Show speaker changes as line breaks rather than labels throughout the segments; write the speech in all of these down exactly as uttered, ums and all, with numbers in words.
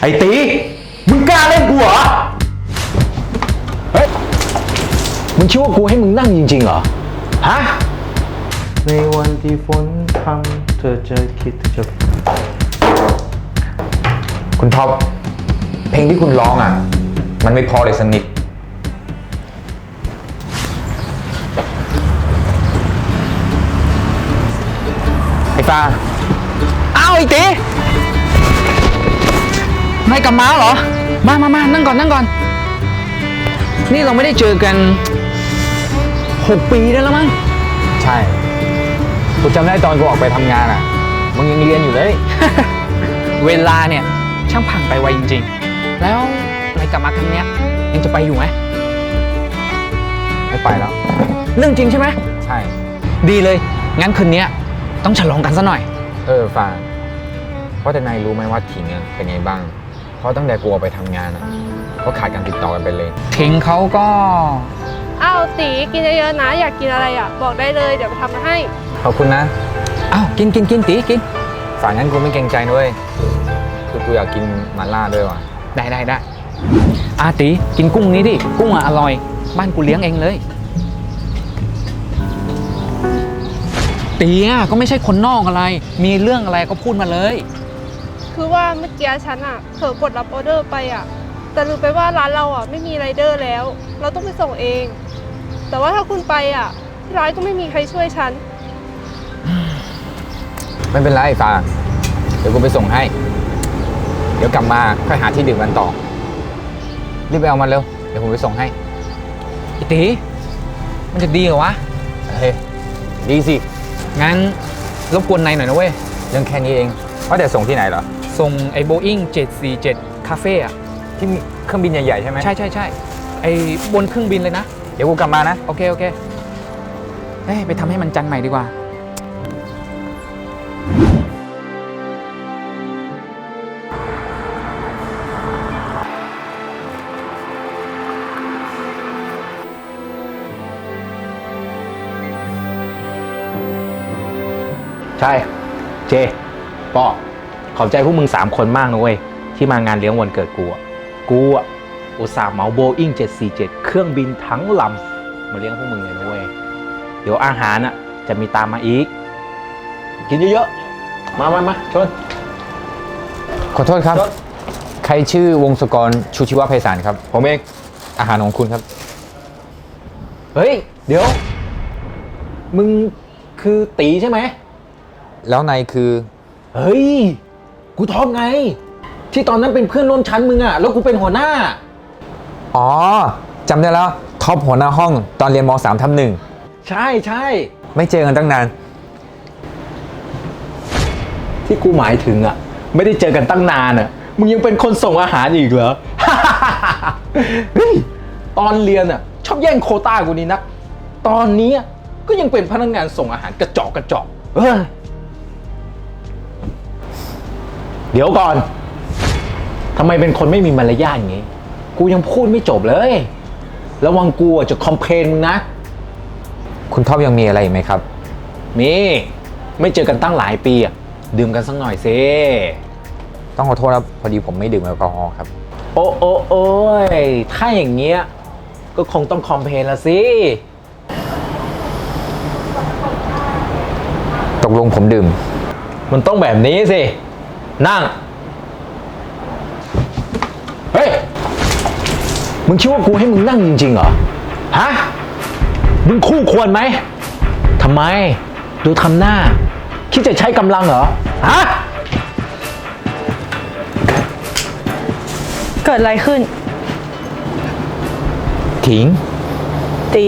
ไอ้ตีมึงกล้าเล่นกูเหรอเฮ้ยมึงคิดว่ากูให้มึงนั่งจริงๆเหรอฮะในวันที่ฝนพรำเธอจะคิดจะคุณท็อปเพลงที่คุณร้องอ่ะมันไม่พอเลยสักนิดไอ้ฟ้าอ้าวไอ้ตีไม่กลับมาเหรอมามามานั่งก่อนนั่งก่อนนี่เราไม่ได้เจอกันหกปีได้แล้วมั้งใช่กูจำได้ตอนกูออกไปทำงานอ่ะมึงยังเรียนอยู่เลย เวลาเนี่ยช่างผ่านไปไวจริงๆแล้วอะไรกลับมาครั้งเนี้ยยังจะไปอยู่ไหมไม่ไปแล้วเรื่องจริงใช่ไหมใช่ดีเลยงั้นคืนนี้ต้องฉลองกันซะหน่อยเออฟางเพราะแต่นายรู้ไหมว่าถิงเป็นไงบ้างเพราะตั้งแต่กูออกไปทำงานอ่ะก็ขาดการติดต่อกันไปเลยถิงเขาก็
อ้าวตีกินเยอะๆนะอยากกินอะไรอ่ะบอกได้เลยเดี๋ยวไปทำมาให้
ขอบคุณนะอ้าวกินกินกินตีกินฝากงั้นกูไม่เกรงใจด้วยคือกูอยากกินมาล่าด้วยว่ะได้ได้ได้อาตีกินกุ้งนี้ดิกุ้งอ่ะอร่อยบ้านกูเลี้ยงเองเลยตีอ่ะก็ไม่ใช่คนนอกอะไรมีเรื่องอะไรก็พูดมาเลย
คือว่าเมื่อกี้ฉันอ่ะเผลอกดรับออเดอร์ไปอ่ะแต่ลืมไปว่าร้านเราอ่ะไม่มีไรเดอร์แล้วเราต้องไปส่งเองแต่ว่าถ้าคุณไปอ่ะที่ร้านก็ไม่มีใครช่วยฉัน
ไม่เป็นไรฟ้าเดี๋ยวกูไปส่งให้เดี๋ยวกลับมาค่อยหาที่ดื่มกันต่อรีบไปเอามันเร็วเดี๋ยวผมไปส่งให้ไอ้ตีมันจะดีเหรอวะเฮ้ยดีสิงั้นรบกวนนายหน่อยนะเว้ยเรื่องแค่นี้เองว่าแต่ส่งที่ไหนเหรอส่งไอ้ Boeing เจ็ดสี่เจ็ดคาเฟ่อะที่มีเครื่องบินใหญ่ๆใช่ไหมใช่ใช่ใช่ไอ้บนเครื่องบินเลยนะเดี๋ยวกูกลับมานะโอเคโอเคเฮ้ยไปทำให้มันจันใหม่ดีกว่าใช่เจปอขอบใจพวกมึงสามคนมากนะเว้ยที่มางานเลี้ยงวันเกิดกูอ่ะกูอ่ะอุตส่าห์เหมาโบอิ้งเจ็ดสี่เจ็ดเครื่องบินทั้งลำมาเลี้ยงพวกมึงเลยนะเว้ยเดี๋ยวอาหารอ่ะจะมีตามมาอีกกินเยอะๆมามามาชนขอโทษครับใครชื่อวงศกรชูชีวะไพศาลครับผมเองอาหารของคุณครับเฮ้ยเดี๋ยวมึงคือตีใช่ไหมแล้วนายคือเฮ้ยกูท็อปไงที่ตอนนั้นเป็นเพื่อนร่วมชั้นมึงอะแล้วกูเป็นหัวหน้าอ๋อจำได้แล้วท็อปหัวหน้าห้องตอนเรียนม สาม ทับหนึ่งใช่ใช่ไม่เจอกันตั้งนานที่กูหมายถึงอะไม่ได้เจอกันตั้งนานอะมึงยังเป็นคนส่งอาหารอีกเหรอ เฮ้ยตอนเรียนอะชอบแย่งโควต้ากูนี่นักตอนนี้ก็ยังเป็นพนักงานส่งอาหารกระจอกกระจอกเฮ้ยเดี๋ยวก่อนทำไมเป็นคนไม่มีมารยาทอย่างงี้กูยังพูดไม่จบเลยระวังกูจะคอมเพลนมึงนะคุณท็อปยังมีอะไรไหมครับมีไม่เจอกันตั้งหลายปีอะดื่มกันสักหน่อยสิต้องขอโทษครับพอดีผมไม่ดื่มแอลกอฮอล์ครับโอ้โอ้โอ้ยถ้าอย่างเงี้ยก็คงต้องคอมเพลนละสิตกลงผมดื่มมันต้องแบบนี้สินั่งเฮ้ยมึงคิดว่ากูให้มึงนั่งจริงๆเหรอฮะมึงคู่ควรไหมทำไมดูทำหน้าคิดจะใช้กำลังเหรอฮะ
เกิดอะไรขึ้น
ถิง
ตี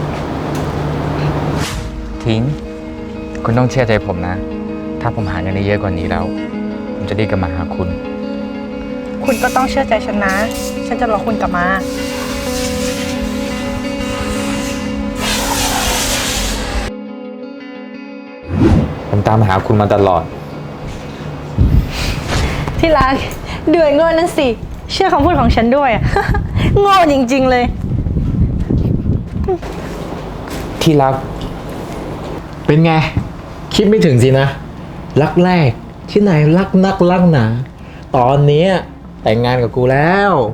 ถิงคุณต้องเชื่อใจผมนะถ้าผมหาเงินได้เยอะกว่านี้แล้วผมจะรีบกลับมาหาคุณ
คุณก็ต้องเชื่อใจฉันนะฉันจะรอคุณกลับมา
ผมตามหาคุณมาตลอด
ที่รักด้วยโง่นั่นสิเชื่อคำพูดของฉันด้วย โง่จริงๆเลย
ที่รักเป็นไงคิดไม่ถึงสินะรักแรกที่ไหนรักนักรักหนาตอนนี้แต่งงานกับกูแล้ว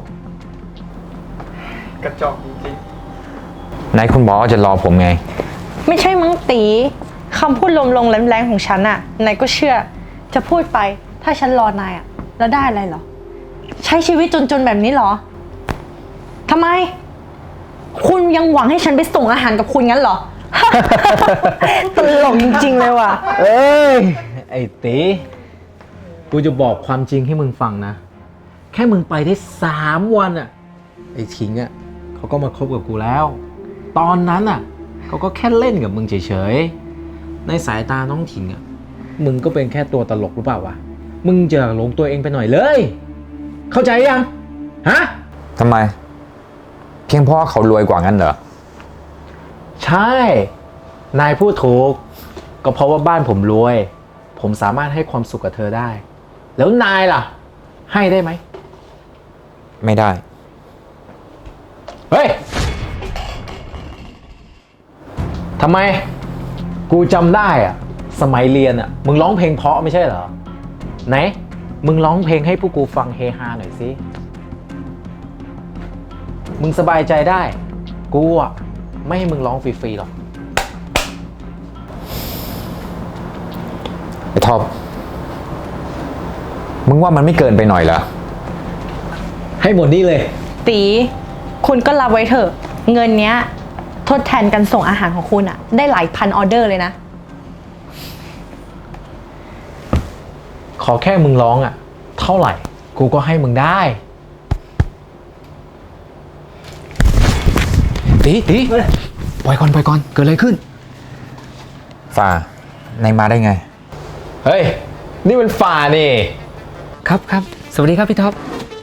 กระจอกจริง
ไหนคุณบอกว่าจะรอผมไง
ไม่ใช่มั้งตีคำพูดลมๆแรงๆของฉันอะนายก็เชื่อจะพูดไปถ้าฉันรอนายอะแล้วได้อะไรเหรอ ใช้ชีวิตจนๆแบบนี้เหรอทำไม คุณยังหวังให้ฉันไปส่งอาหารกับคุณงั้นเหรอ ตลกจริงๆเลยว่ะ
เอ้ย ไอ้ตีกูจะบอกความจริงให้มึงฟังนะ แค่มึงไปได้สามวันอะไอ้ทิ้งอะเขาก็มาคบกับกูแล้ว ตอนนั้นอะเขาก็แค่เล่นกับมึงเฉยๆ ในสายตาน้องถิงอะมึงก็เป็นแค่ตัวตลกหรือเปล่าวะ มึงจะหลงตัวเองไปหน่อยเลย เข้าใจยัง ฮะ
ทำไม เพียงเพราะว่าเขารวยกว่างั้นเหรอ
ใช่ นายพูดถูก ก็เพราะว่าบ้านผมรวย ผมสามารถให้ความสุขกับเธอได้ แล้วนายล่ะ ให้ได้ไหม
ไม่ได้
เฮ้ย ทำไม กูจำได้อะสมัยเรียนอะมึงร้องเพลงเพราะไม่ใช่เหรอ ไหน มึงร้องเพลงให้พวกกูฟังเฮฮาหน่อยสิ มึงสบายใจได้ กูอะไม่ให้มึงร้องฟรีๆหรอก
ไอ้ท็อป มึงว่ามันไม่เกินไปหน่อยเหรอ
ให้หมดนี่เลย
ตีคุณก็รับไว้เถอะเงินเนี้ยทดแทนกันส่งอาหารของคุณอะได้หลายพันออเดอร์เลยนะ
ขอแค่มึงร้องอะเท่าไหร่ กูก็ให้มึงได้
ตีตีปล่อยก่อนปล่อยก่อนเกิดอะไรขึ้น
ฝ่า ในมาได้ไง
เฮ้ย นี่มันฝ่านี่
ครับครับสวัสดีครับพี่ท็อป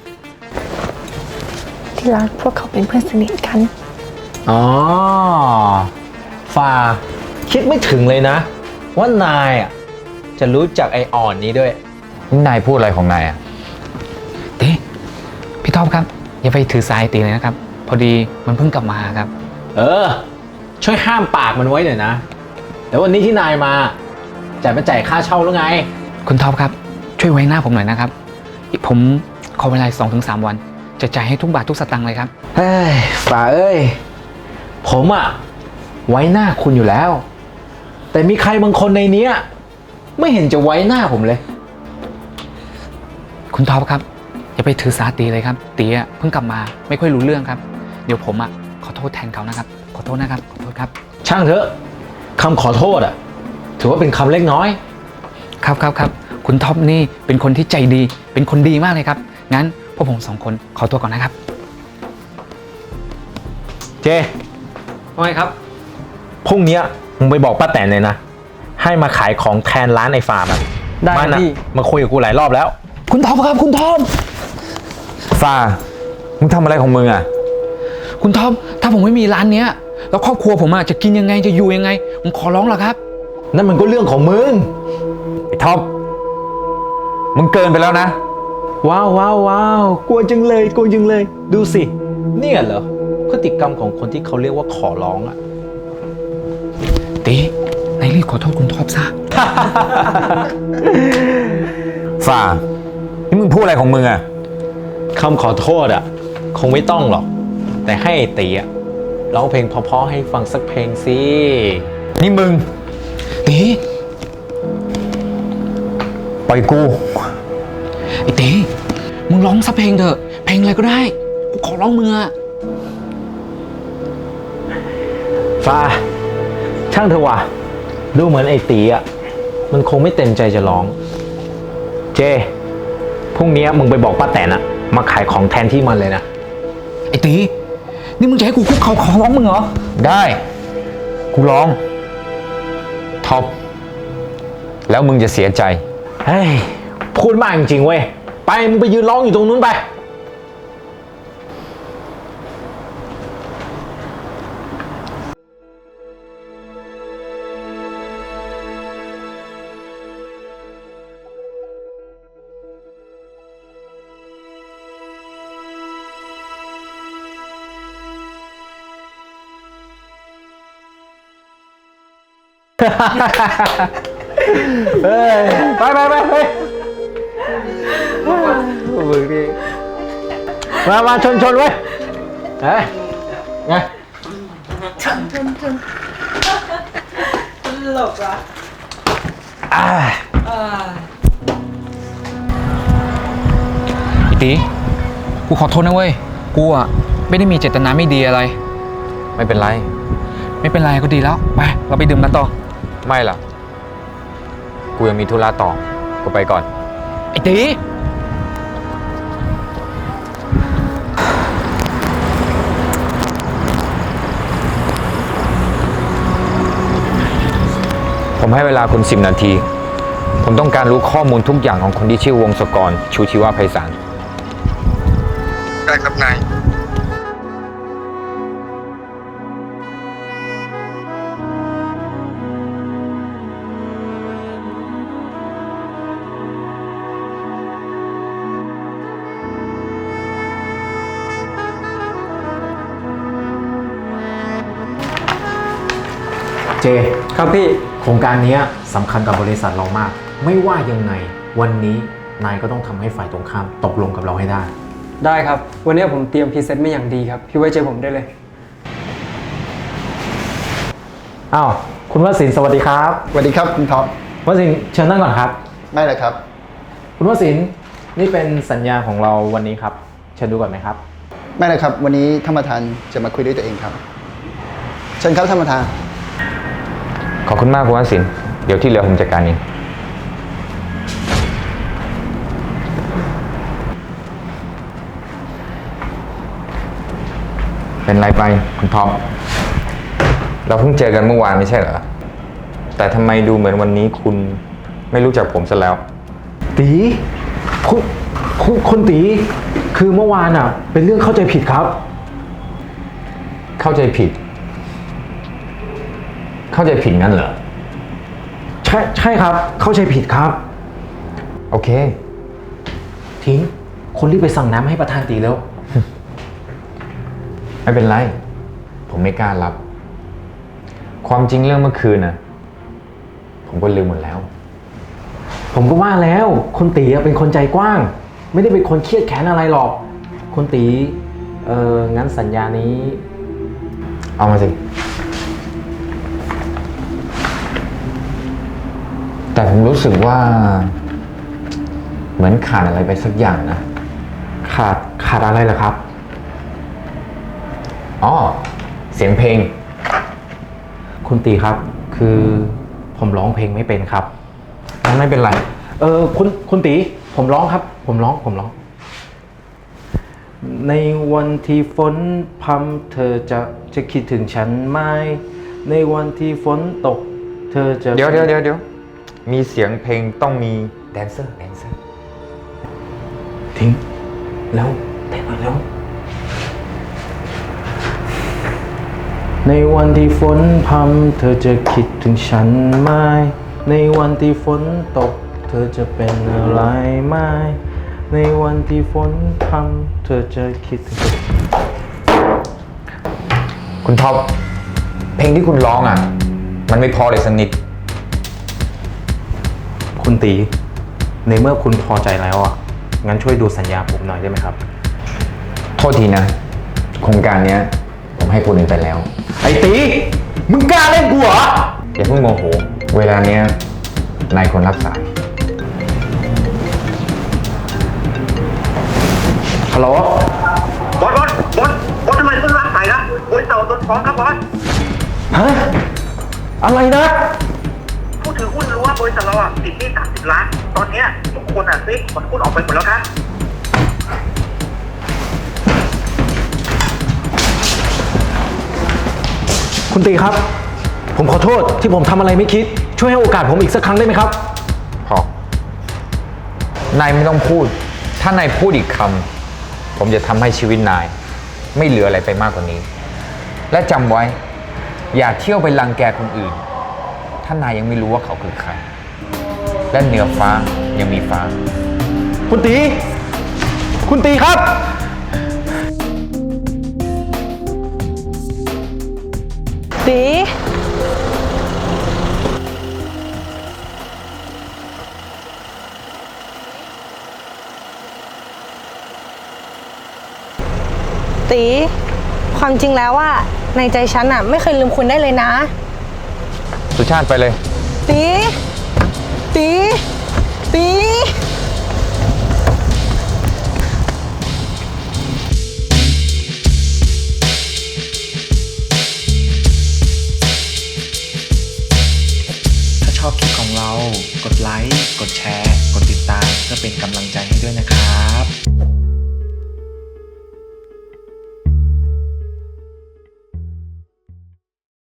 ที่รักพวกเขาเป็นเพื่อนสนิทกัน
อ๋อ ฝ่า คิดไม่ถึงเลยนะ ว่านายอ่ะ จะรู้จักไออ่อนนี้ด้วย
นี่นายพูดอะไรของนายอ่ะ
ตีพี่ท็อปครับอย่าไปถือสายตีเลยนะครับ พอดีมันเพิ่งกลับมาครับ
เออ ช่วยห้ามปากมันไว้หน่อยนะ แต่วันนี้ที่นายมาจ่ายมาจ่ายค่าเช่าแล้วไง
คุณท็อปครับช่วยไว้หน้าผมหน่อยนะครับอีกผมขอเวลาสองถึงสามวัน จะจ่ายให้ทุกบาททุกสตางค์เลยครับ
เฮ้ย ฝ่าเอ้ย ผมอ่ะ ไว้หน้าคุณอยู่แล้ว แต่มีใครบางคนในเนี้ย ไม่เห็นจะไว้หน้าผมเลย
คุณท็อปครับอย่าไปถือสาตีเลยครับตีอ่ะเพิ่งกลับมาไม่ค่อยรู้เรื่องครับเดี๋ยวผมอ่ะขอโทษแทนเขานะครับขอโทษนะครับขอโทษครับ
ช่างเถอะคำขอโทษอ่ะ ถือว่าเป็นคำเล็กน้อย
ครับครับครับคุณท็อปนี่เป็นคนที่ใจดีเป็นคนดีมากเลยครับงั้นพวกผมสองคนขอตัวก่อนนะครับ
เจ
ว่าไงครับ
พรุ่งเนี้ยมึงไปบอกป้าแตนเลยนะ ให้มาขายของแทนร้านไอ้ฟาร์มอะ
ได้ครับ
มันอะ
พี่
มาคุยกับกูหลายรอบแล้ว
คุณท็อปครับคุณท็อป
ฝ่า มึงทำอะไรของมึงอ่ะ
คุณท็อปถ้าผมไม่มีร้านเนี้ยแล้วครอบครัวผมอ่ะจะกินยังไงจะอยู่ยังไงผมขอร้องละครับ
นั่นมันก็เรื่องของมึง
ไอ้ท็อป มึงเกินไปแล้วนะ
ว้าวว้าวว้าวกลัวจังเลยกลัวจังเลย ดูสิ เนี่ยเหรอ พฤติกรรมของคนที่เขาเรียกว่าขอร้องอะ
ตีนายรีบขอโทษคุณท็อปซะ
ฝ่า นี่มึงพูดอะไรของมึงอ่ะ
คำขอโทษอะคงไม่ต้องหรอก แต่ให้ไอ้ตีอะร้องเพลงเพราะๆให้ฟังสักเพลงสิ
นี่มึง
ตี
ปล่อยกู
ไอ้ตีมึงร้องสักเพลงเถอะเพลงอะไรก็ได้กูขอร้องมึงอะ
ฟ้า ช่างเถอะว่ะ ดูเหมือนไอ้ตีอะมันคงไม่เต็มใจจะร้อง เจ พรุ่งนี้มึงไปบอกป้าแตนอะมาขายของแทนที่มันเลยนะ
ไอ้ตีนี่มึงจะให้กูคุกเข่าขอร้องมึงเหรอ
ได้ กูร้อง ท็อป แล้วมึงจะเสียใจ
เฮ้ย พูดมากจริงๆเว้ย ไป มึงไปยืนร้องอยู่ตรงนู้นไป เฮ้ย ไปไปไปไปมึงนี่มามาชนชนเว้ยเฮ้ยไงชนชนชนตลกอ่ะอ่า
อีตีกูขอโทษนะเว้ย กูอ่ะไม่ได้มีเจตนาไม่ดีอะไร
ไม่เป็นไร
ไม่เป็นไรก็ดีแล้ว ไป เราไปดื่มกันต่อ
ไม่ล่ะ กูยังมีธุระต่อ กูไปก่อน
ไอ้ตี
ผมให้เวลาคุณสิบนาที ผมต้องการรู้ข้อมูลทุกอย่างของคนที่ชื่อวงศกร ชูชีวะไพศาล
ได้ครับนาย
เจครับพี่โครงการนี้สำคัญกับบริษัทเรามาก ไม่ว่ายังไงวันนี้นายก็ต้องทำให้ฝ่ายตรงข้ามตกลงกับเราให้ได้
ได้ครับ วันนี้ผมเตรียมพรีเซนต์มาอย่างดีครับ พี่ไว้ใจผมได้เลย
อ้าวคุณวสินทร์สวัสดีครับ
สวัสดีครับคุณท็อป
วสินทร์เชิญนั่งก่อนครับ
ไม่เลยครับ
คุณวสินทร์นี่เป็นสัญญาของเราวันนี้ครับเชิญดูก่อนไหมครับ
ไม่เลยครับ วันนี้ท่านประธานจะมาคุยด้วยตัวเองครับ เชิญครับท่านประธาน
ขอบคุณมากคุณวสินทร์เดี๋ยวที่เหลือผมจัดการเอง เป็นไรไปคุณท็อป เราเพิ่งเจอกันเมื่อวานไม่ใช่เหรอ แต่ทำไมดูเหมือนวันนี้คุณไม่รู้จักผมซะแล้ว
ตีคุณคุณคุณตีคือเมื่อวานอ่ะ เป็นเรื่องเข้าใจผิดครับ
เข้าใจผิด เข้าใจผิดงั้นเหรอ
ใช่ใช่ครับเข้าใจผิดครับ
โอเค
ทิ้งคนรีบไปสั่งน้ำให้ประธานตีแล้ว
ไม่เป็นไร ผมไม่กล้ารับ ความจริงเรื่องเมื่อคืนน่ะ ผมก็ลืมหมดแล้ว
ผมก็ว่าแล้วคุณตีอะเป็นคนใจกว้าง ไม่ได้เป็นคนเครียดแค้นอะไรหรอกคุณตีเอองั้นสัญญานี้
เอามาสิ แต่ผมรู้สึกว่า เหมือนขาดอะไรไปสักอย่างนะ
ขาดขาดอะไรเหรอครับ
อ๋อ เสียงเพลง
คุณตีครับ คือผมร้องเพลงไม่เป็นครับ
งั้นไม่เป็นไร
เออคุณคุณตีผมร้องครับ ผมร้องผมร้อง ในวันที่ฝนพรำเธอจะจะคิดถึงฉันไหมในวันที่ฝนตก เธอจะ
เดี๋ยวเดี๋ยวเดี๋ยวเดี๋ยวมีเสียงเพลงต้องมีแดนเซอร์ แดนเซอร์
ทิ้งแล้วเต้นหน่อยแล้ว ในวันที่ฝนพรำเธอจะคิดถึงฉันไหมในวันที่ฝนตก เธอจะเป็นอะไรไหมในวันที่ฝนพรำเธอจะคิดถึงฉัน
คุณท็อป เพลงที่คุณร้องอ่ะ มันไม่พอเลยสักนิด
คุณตีในเมื่อคุณพอใจแล้วอ่ะงั้นช่วยดูสัญญาผมหน่อยได้ไหมครับ
โทษทีนะ โครงการเนี้ย ผมให้คนอื่นไปแล้ว
ไอ้ตีมึงกล้าเล่นกูเหรอ
อย่าเพิ่งโมโห เวลาเนี้ยนายคนรับสาย
ฮัลโหล
บอสบอสบอสบอสทำไมเพิ่งรับสายนะบริษัทโดนฟ้องครับบอส
ฮะอะไรนะ
ผู้ถือหุ้นรู้ว่าบริษัทเราอ่ะติดหนี้สามสิบล้าน ตอนเนี้ยทุกคนอ่ะซื้อผลหุ้นออกไปหมดแล้วครับ
คุณตีครับ ผมขอโทษที่ผมทำอะไรไม่คิด ช่วยให้โอกาสผมอีกสักครั้งได้ไหมครับ
พอ นายไม่ต้องพูด ถ้านายพูดอีกคำ ผมจะทำให้ชีวิตนาย ไม่เหลืออะไรไปมากกว่านี้ และจำไว้ อย่าเที่ยวไปรังแกคนอื่น ถ้านายยังไม่รู้ว่าเขาคือใคร และเหนือฟ้ายังมีฟ้า
คุณตี คุณตีครับ
ตีตี ความจริงแล้วว่าในใจฉันอะไม่เคยลืมคุณได้เลยนะ
สุชาติไปเลย
ตี ตี ตี
ถ้าชอบคลิปของเรา กดไลค์ กดแชร์ กดติดตามเพื่อเป็นกำลังใจ